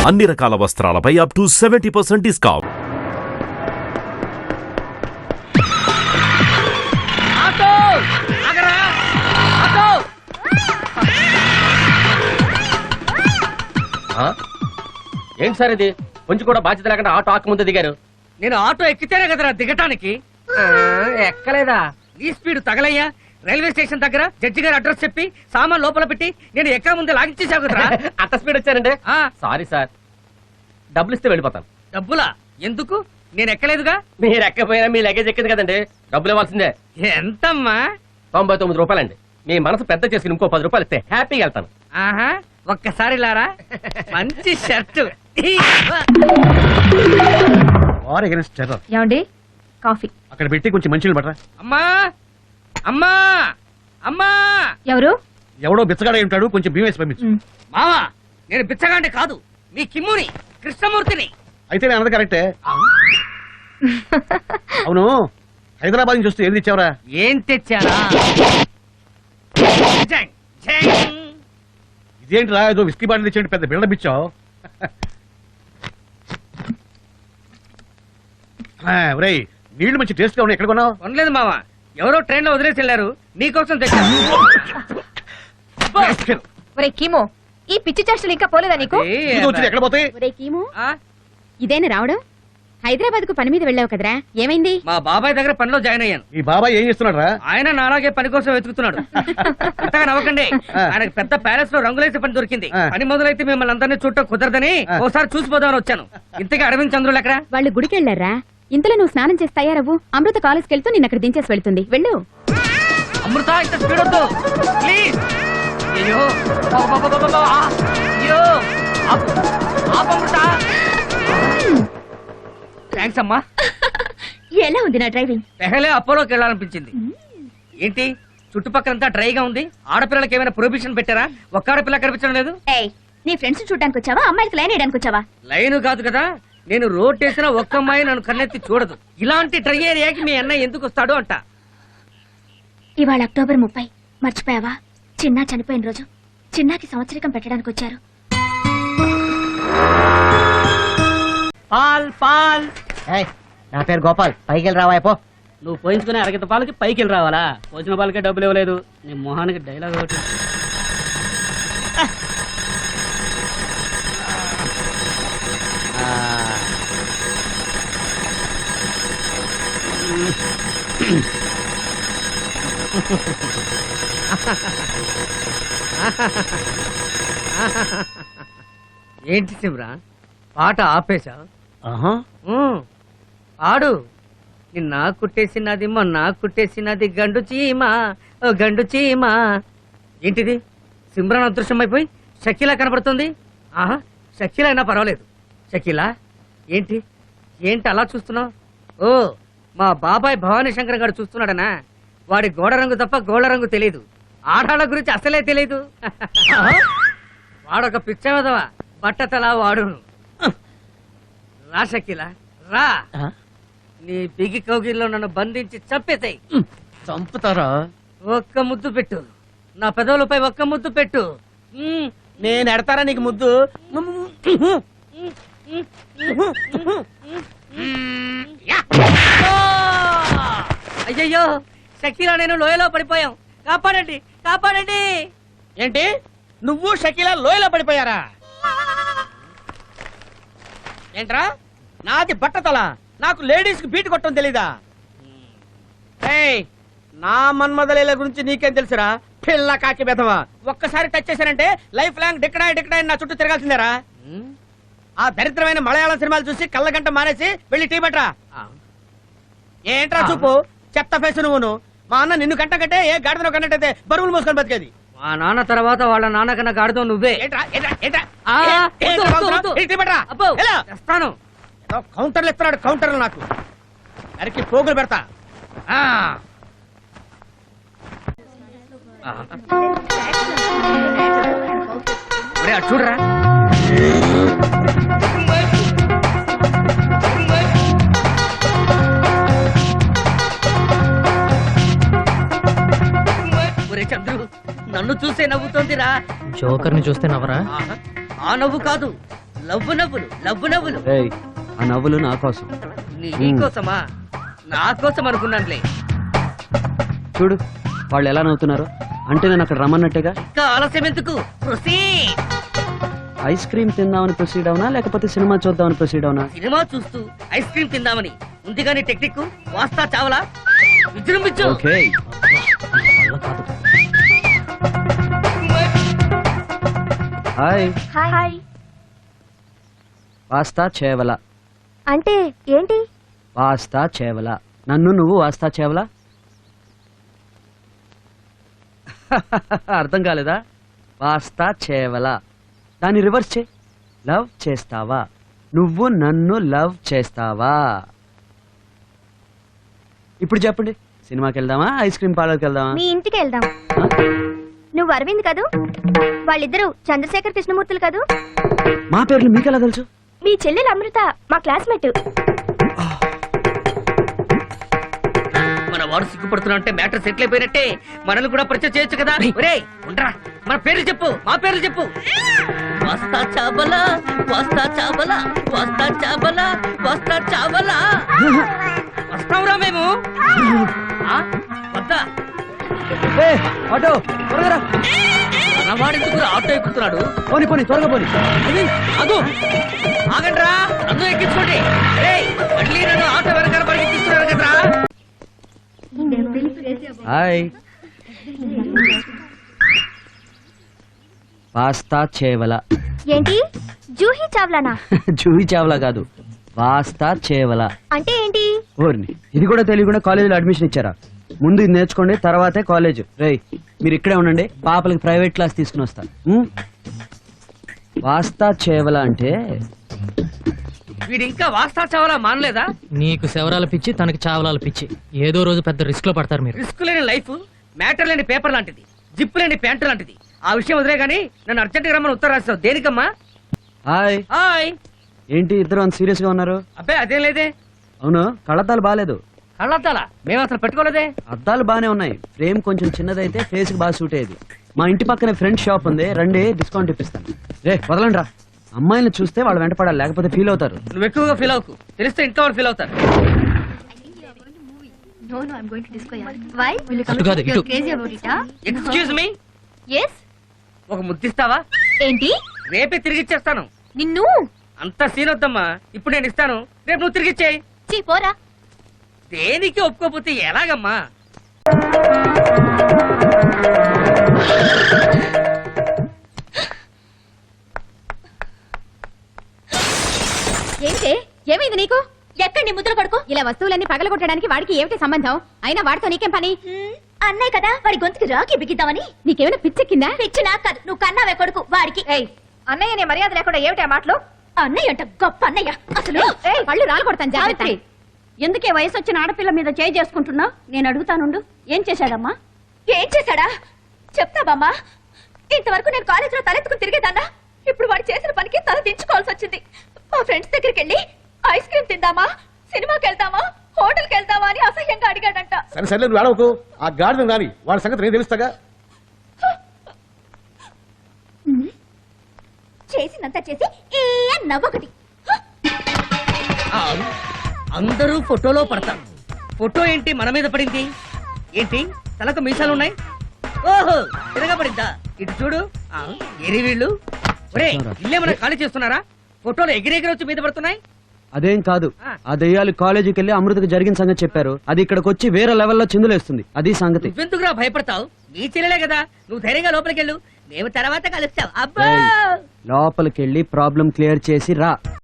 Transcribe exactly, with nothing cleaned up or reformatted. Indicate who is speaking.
Speaker 1: అన్ని రకాల వస్త్రాలపై up to seventy percent discount.
Speaker 2: ఏంటి సార్ ఇది? కొంచెం కూడా బాధ్యత లేకుండా ఆటో ఆకు ముందు దిగారు.
Speaker 3: నేను ఆటో ఎక్కితేనే కదరా దిగటానికి.
Speaker 2: ఎక్కలేదా?
Speaker 3: ఈ స్పీడ్ తగలయ్యా. రైల్వే స్టేషన్ దగ్గర జడ్జి గారి అడ్రస్ చెప్పి సామాన్ లోపల పెట్టి నేను ఎక్కడ ముందే లాగించేసావు కదరా.
Speaker 2: అంత స్పీడ్ వచ్చారండి?
Speaker 3: ఆ,
Speaker 2: సారీ సార్, డబ్బులు ఇస్తే వెళ్ళిపోతాను.
Speaker 3: డబ్బులా? ఎందుకు? నేను ఎక్కలేదుగా.
Speaker 2: మీరు ఎక్కపోయినా మీ లగేజ్ ఎక్కింది కదండి, డబ్బులు ఇవ్వాల్సిందే.
Speaker 3: ఎంతమ్మా?
Speaker 2: తొంభై తొమ్మిది రూపాయలండి. మీ మనసు పెద్ద చేసి ఇంకో పది రూపాయలు ఇస్తే హ్యాపీగా వెళ్తాను.
Speaker 3: ఆహా, ఒక్కసారి లారా. మంచి షర్టు.
Speaker 4: ఏమండి కాఫీ
Speaker 5: అక్కడ పెట్టి కొంచెం మంచిగా పట్టరా.
Speaker 3: అమ్మా అమ్మా అమ్మా.
Speaker 4: ఎవరు?
Speaker 5: ఎవడో బిచ్చగాడ ఉంటాడు, కొంచెం బియ్యం వేసి పంపించు.
Speaker 3: మావా, నేను బిచ్చగాండి కాదు, మీ కిమ్ముని, కృష్ణమూర్తిని.
Speaker 5: అయితే నేను అన్నది కరెక్టే. అవును, హైదరాబాద్ నుంచి వస్తే ఏం తెచ్చావరా?
Speaker 3: ఏం తెచ్చారా? జంగ్, జంగ్.
Speaker 5: ఇదేంటిరా, ఏదో విస్కీ బాటిల్ తెచ్చేయండి, పెద్ద బిల్డప్ ఇచ్చావు. ఒరేయ్, నీళ్లు మంచి టేస్ట్ గా ఉన్నాయి, ఎక్కడ కొన్నావు?
Speaker 3: కొనలేదు మావా, ఎవరో ట్రైన్ లో వదిలేసి వెళ్ళారు, నీకోసం తెచ్చాను.
Speaker 4: ఒరే కీమో, ఈ పిచ్చి చేష్టలు ఇంకా పోలేదా నీకు?
Speaker 5: ఇది వచ్చింది, ఎక్కడ పోతాయి?
Speaker 4: ఒరే కీమో,
Speaker 3: ఆ,
Speaker 4: ఇదేనా రావడం? హైదరాబాద్ కు పని మీద వెళ్ళావు కదరా, ఏమైంది?
Speaker 3: మా బాబాయ్ దగ్గర పనిలో జాయిన్ అయ్యాను.
Speaker 5: ఈ బాబాయ్ ఏం చేస్తున్నాడు రా?
Speaker 3: ఆయన నాలాగే పని కోసం వెతుకుతున్నాడు. అంతగా నవ్వకండి, ఆయనకు పెద్ద ప్యాలెస్ లో రంగులేసే పని దొరికింది.
Speaker 5: ఆ.
Speaker 3: పని మొదలైతే మిమ్మల్ని అందరినీ చూడటం కుదరదని
Speaker 5: ఆ.
Speaker 3: ఓసారి చూసిపోదామని వచ్చాను. ఇంతకీ అరవింద్ చంద్రులు ఎక్కడ?
Speaker 4: వాళ్ళు గుడికి వెళ్ళారా? ఇంతలో నువ్వు స్నానం చేసి తయారవ్వు, అమృత కాలేజ్కి వెళ్తూ నిన్న అక్కడ దించేసి వెళ్తుంది, వెళ్ళు.
Speaker 3: అమృత, ఇంత స్పీడ్ వద్దు ప్లీజ్. అయ్యో బాబాబాబాబా. అయ్యో ఆపు, ఆపు అమృత. థ్యాంక్స్ అమ్మా.
Speaker 4: ఎలా ఉంది నా డ్రైవింగ్?
Speaker 3: పెహలే అపోలోకి వెళ్ళాలనిపించింది. ఏంటి చుట్టుపక్కలంతా డ్రైగా ఉంది? ఆడపిల్లలకి ఏమైనా ప్రొహిబిషన్ పెట్టారా? ఒక్క ఆడపిల్ల కనిపించడం లేదు.
Speaker 4: ఏయ్, నీ ఫ్రెండ్స్ చూడడానికి వచ్చావా, అమ్మాయిలకి లైన్ వేయడానికి వచ్చావా?
Speaker 3: లైన్ కాదు కదా, నేను రోడ్ వేసిన ఒక్క అమ్మాయి నన్ను కన్నెత్తి చూడదు. ఇలాంటి డ్రై ఏరియాకి మీ అన్న ఎందుకు వస్తాడు అంట.
Speaker 4: ఇవాళ అక్టోబర్ ముప్పై, మర్చిపోయావా? చిన్నా చనిపోయిన రోజు. చిన్నాకి సంవత్సరికం పెట్టడానికి వచ్చారు.
Speaker 3: పాల్ పాల్.
Speaker 6: నా పేరు గోపాల్, పైకి వెళ్ళి రావా పో.
Speaker 3: నువ్వు పోయించుకునే అరగత పాలకి పైకి వెళ్ళి రావాలా? పోసిన పాలకే డబ్బులు ఇవ్వలేదు. నీ మొహానికి డైలాగ్ ఒకటి. ఏంటి శివరా, పాట ఆపేశా? ఆడు. నిన్న కుట్టేసినది మొన్న కుట్టేసినది గండు చీమా, ఓ గండు చీమా. ఏంటిది, సిమ్రాన్ అదృశ్యం అయిపోయి షకీలా కనబడుతుంది. ఆహా, షకీలా అయినా పర్వాలేదు. షకీలా ఏంటి ఏంటి అలా చూస్తున్నావు? ఓ, మా బాబాయ్ భవానీ శంకర్ గారు చూస్తున్నాడనా? వాడి గోడ రంగు తప్ప గోడ రంగు తెలీదు, ఆడాళ్ళ గురించి అసలే తెలీదు. వాడొక పిచ్చవదవా, బట్టతలా వాడును. రా షకీలా రా, నీ బిగి కౌగిల్లో నన్ను బంధించి చంపేతాయి.
Speaker 6: చంపుతారా?
Speaker 3: ఒక్క ముద్దు పెట్టు, నా పెదవులపై ఒక్క ముద్దు పెట్టు.
Speaker 6: నేను ఎడతారా నీకు ముద్దు?
Speaker 3: అయ్యయ్యో, షకీలా నేను లోయలో పడిపోయాం, కాపాడండి కాపాడండి.
Speaker 6: ఏంటి, నువ్వు షకీలా లోయలో పడిపోయారా? ఏంట్రా, నాది బట్టతల, నాకు లేడీస్ కి బీట్ కొట్టడం తెలీదా? ఏయ్, నా మన్మదలీల గురించి నీకేం తెలుసురా పిల్ల కాకి బెదవా? ఒక్కసారి టచ్ చేశానంటే లైఫ్ లాంగ్ డిక్కడాయి డిక్కడాయి నా చుట్టూ తిరగాల్సిందేరా. ఆ దరిద్రమైన మలయాళం సినిమాలు చూసి కళ్ళగంట మానేసి వెళ్ళి టీ పట్రా. ఏంట్రా చూపు, చెత్త ఫేసు నువ్వును. మా అన్న నిన్ను కంట కంటే ఏ గాడిదను కన్నట్టయితే బరువులు మోసుకొని బతికేది.
Speaker 3: మా నాన్న తర్వాత వాళ్ళ నాన్న కన్నా గాడితో నువ్వే.
Speaker 6: ఏంట్రా ఏంట్రా ఏంట్రా
Speaker 3: ఆ,
Speaker 6: ఏ-
Speaker 3: వద్దు,
Speaker 6: ఏంట్రా
Speaker 3: వద్దు,
Speaker 6: బాగుతున్నావు?
Speaker 3: వద్దు.
Speaker 6: ఈ టీ పట్రా.
Speaker 3: అబ్బో,
Speaker 6: ఎలా?
Speaker 3: తెస్తాను.
Speaker 6: ఏదో కౌంటర్లు ఇస్తున్నాడు, కౌంటర్లు నాకు అరికి పోగులు పెడతా.
Speaker 3: ఆ. ఒరే, అటు చూడరా. ఒరే చంద్రు, నన్ను చూసే నవ్వుతోందిరా.
Speaker 7: జోకర్ ని చూస్తే నవ్వరా?
Speaker 3: ఆ నవ్వు కాదు, లవ్వు నవ్వులు లవ్వు నవ్వులు
Speaker 7: ఏయ్, ఆ నవ్వులు నా కోసం.
Speaker 3: నీ కోసమా నా కోసం అనుకున్నానులే.
Speaker 7: చూడు వాళ్ళు ఎలా నవ్వుతున్నారు, అంటే నేను అక్కడ రమ్మన్నట్టుగా.
Speaker 3: ఇంకా ఆలస్యం ఎందుకు? Proceed.
Speaker 7: ఐస్ క్రీమ్ తిందామని ప్రొసీడ్ అవునా లేకపోతే సినిమా చూద్దామని ప్రొసీడ్ అవునా?
Speaker 3: సినిమా చూస్తూ ఐస్ క్రీమ్ తిందామని ఉంది కానీ టెక్నిక్ వాస్తా చావలా విజృంభించు.
Speaker 7: ఓకే. హాయ్.
Speaker 4: హాయ్.
Speaker 7: వాస్తా చేవల.
Speaker 4: అంటే ఏంటి?
Speaker 7: వాస్తా చేవల. నన్ను నువ్వు వాస్తా చేవల. అర్థం కాలేదా? వాస్తా చేవల. దాన్ని రివర్స్ చే. లవ్ చేస్తావా? నువ్వు నన్ను లవ్ చేస్తావా? ఇప్పుడు చెప్పండి, సినిమాకి వెళ్దామా ఐస్ క్రీమ్ పార్లర్కి వెళ్దామా?
Speaker 4: మీ ఇంటికి వెళ్దాం.
Speaker 7: ఆ?
Speaker 4: నువ్వు అరవింద్ కదూ? వాళ్ళిద్దరూ చంద్రశేఖర్ కృష్ణమూర్తులు కదూ?
Speaker 7: మా పేర్లు మీకెలా తెలుసు?
Speaker 4: మీ చెల్లెలు అమృత మా క్లాస్మేట్.
Speaker 3: మన వాడు సిగ్గుపడుతున్నా అంటే మ్యాటర్ సెటిల్ అయిపోయినట్టే. మనల్ని కూడా పరిచయం చేయొచ్చు కదా. ఒరేయ్ ఉండరా, మన పేర్లు చెప్పు, మా పేర్లు చెప్పు. వస్తా చాబలా వస్తా చాబలా వస్తా చాబలా వస్తా చాబలా. వస్తావురా మేము? ఆ? వద్దా?
Speaker 7: ఏ, ఆటో త్వరగా రా.
Speaker 3: మనవాడెందుకు ఆటో ఎక్కుతున్నాడు?
Speaker 7: పోనీ పోనీ త్వరగా పోనీ.
Speaker 3: అది అదు ఆగండ్రా, నన్ను ఎక్కించుకోండి. ఏయ్, మళ్ళీ నన్ను ఆటో వెనకాల పరిగెత్తిస్తున్నారు కదరా.
Speaker 7: హాయ్. వాస్తా చేవల.
Speaker 4: ఏంటి? జూహీ చావ్లానా?
Speaker 7: జూహి చావలా కాదు, వాస్తా చేవల.
Speaker 4: అంటే ఏంటి?
Speaker 7: ఓర్ని, ఇది కూడా తెలియకుండా కాలేజీలో అడ్మిషన్ ఇచ్చారా? ముందు ఇది నేర్చుకోండి, తర్వాతే కాలేజ్. రేయ్ మీరు ఇక్కడే ఉండండి, పాపలకి ప్రైవేట్ క్లాస్ తీసుకుని వస్తాను. ఉం? వాస్తా చేవల అంటే
Speaker 3: వీడు ఇంకా వాస్తా చావాలా మానలేదా?
Speaker 8: నీకు శవరాల పిచ్చి, తనకి చావలాల పిచ్చి. ఏదో రోజు పెద్ద రిస్క్ లో పడతారు మీరు.
Speaker 3: రిస్క్ లేని లైఫ్, మ్యాటర్ లేని పేపర్ లాంటిది, జిప్ లేని ప్యాంటు లాంటిది. ఆ విషయం వదిలే గానీ నన్ను అర్జెంట్ గా రమ్మని ఉత్తరం రాస్తావు దేనికమ్మా?
Speaker 7: హాయ్.
Speaker 3: హాయ్.
Speaker 7: ఏంటి ఇద్దరు అంత సీరియస్ గా ఉన్నారు?
Speaker 3: అబ్బాయి అదేం లేదే.
Speaker 7: అవును, కళ్ళద్దాలు బాగాలేదు.
Speaker 3: కళ్ళద్దాలా? మేము అసలు పెట్టుకోలేదే.
Speaker 7: అద్దాలు బానే ఉన్నాయి, ఫ్రేమ్ కొంచెం చిన్నదైతే ఫేస్ కి బాగా సూట్ అయ్యేది. మా ఇంటి పక్కనే ఫ్రెండ్ షాప్ ఉంది, రండి డిస్కౌంట్ ఇప్పిస్తాను. రే వదలండి రా, అమ్మాయిని చూస్తే వాళ్ళు వెంట పడాలి, లేకపోతే ఫీల్ అవుతారు.
Speaker 3: నువ్వు ఎక్కువగా ఫీల్ అవ్వకు, తెలిస్తే ఇంట్లో వాళ్ళు ఫీల్ అవుతారు.
Speaker 4: No, no, I'm going to disco. Yeah. Why? Will you
Speaker 8: అటు కాదు, ఇటు.
Speaker 4: crazy about it, huh?
Speaker 3: Excuse me,
Speaker 4: Yes.
Speaker 3: ఒక ముద్దిస్తావా?
Speaker 4: ఏంటి?
Speaker 3: రేపే తిరిగి ఇచ్చేస్తాను.
Speaker 4: నిన్ను
Speaker 3: అంత సీన్ వద్దమ్మా, ఇప్పుడు నేను ఇస్తాను, రేపు నువ్వు తిరిగి ఇచ్చేయి.
Speaker 4: చీ పోరా.
Speaker 3: దేనికి ఒప్పుకోపోతే ఎలాగమ్మా?
Speaker 9: ఏంటే ఏమైంది నీకు? ఎక్కడ నీ ముద్ర కొడుకు? ఇలా వస్తువులన్నీ పగలగొట్టడానికి వాడికి ఏమిటి సంబంధం? అయినా వాడితో నీకేం పని?
Speaker 4: అన్నయ్య కదా, వాడి గొంతుకి రాకి బిగిద్దామని.
Speaker 9: నీకేమైనా పిచ్చెక్కిందా?
Speaker 4: పిచ్చి నాకు కాదు, నువ్వు కన్నావే కొడుకు వాడికి.
Speaker 9: అన్నయ్య నీ మర్యాద లేకుండా ఏమిటి ఆ మాటలు?
Speaker 4: అన్నయ్య అంట గొప్ప అన్నయ్య. అసలు
Speaker 9: పళ్ళు రాలు కొడతాను జాగ్రత్త.
Speaker 4: ఎందుకే వయసు వచ్చిన ఆడపిల్ల మీద చేయి చేసుకుంటున్నా? నేను అడుగుతానుండు, ఏం చేశాడమ్మా? ఏం చేశాడా చెప్తావమ్మా? ఇంతవరకు నేను కాలేజీలో తలెత్తుకుని తిరిగేదాన్నా, ఇప్పుడు వాడు చేసిన పనికి తల దించుకోవాల్సి వచ్చింది. మా ఫ్రెండ్స్ దగ్గరికి వెళ్ళి ఐస్ క్రీమ్ తిందామా, సినిమాకి వెళ్దామా, హోటల్కి వెళ్దామా అని అసహ్యంగా అడిగాడంట.
Speaker 5: సరే సరే నువ్వు అడవకు, ఆ గాడిద రాని వాడి సంగతి నేను తెలుస్తాగా.
Speaker 4: చేసినంత చేసి ఏ నవ్వొకటి.
Speaker 3: ఆ, అందరూ ఫోటోలో పడతారు. ఫోటో ఏంటి మన మీద పడింది? ఏంటి తలకు మీసాలు ఉన్నాయి? ఓహో తిరగా పడిందా? ఇటు చూడు. ఆ, ఏరి వీళ్ళు. ఒరే ఇల్లేమన్నా ఖాళీ చేస్తున్నారా? ఫోటోలు ఎగిరెగిరి వచ్చి మీద పడుతున్నాయి.
Speaker 7: అదేం కాదు, ఆ దెయ్యాలు కాలేజీకి వెళ్ళి అమృతకి జరిగిన సంగతి చెప్పారు. అది ఇక్కడికి వచ్చి వేరే లెవెల్లో చిందులేస్తుంది, అది సంగతి.
Speaker 3: నువ్వెందుకురా భయపడతావు? నీ చెల్లెలే కదా, నువ్వు ధైర్యంగా లోపలికి వెళ్ళు, మేము తర్వాత కలుస్తాం. అబ్బా
Speaker 7: ఏయ్, లోపలికి వెళ్ళి ప్రాబ్లం క్లియర్ చేసి రా.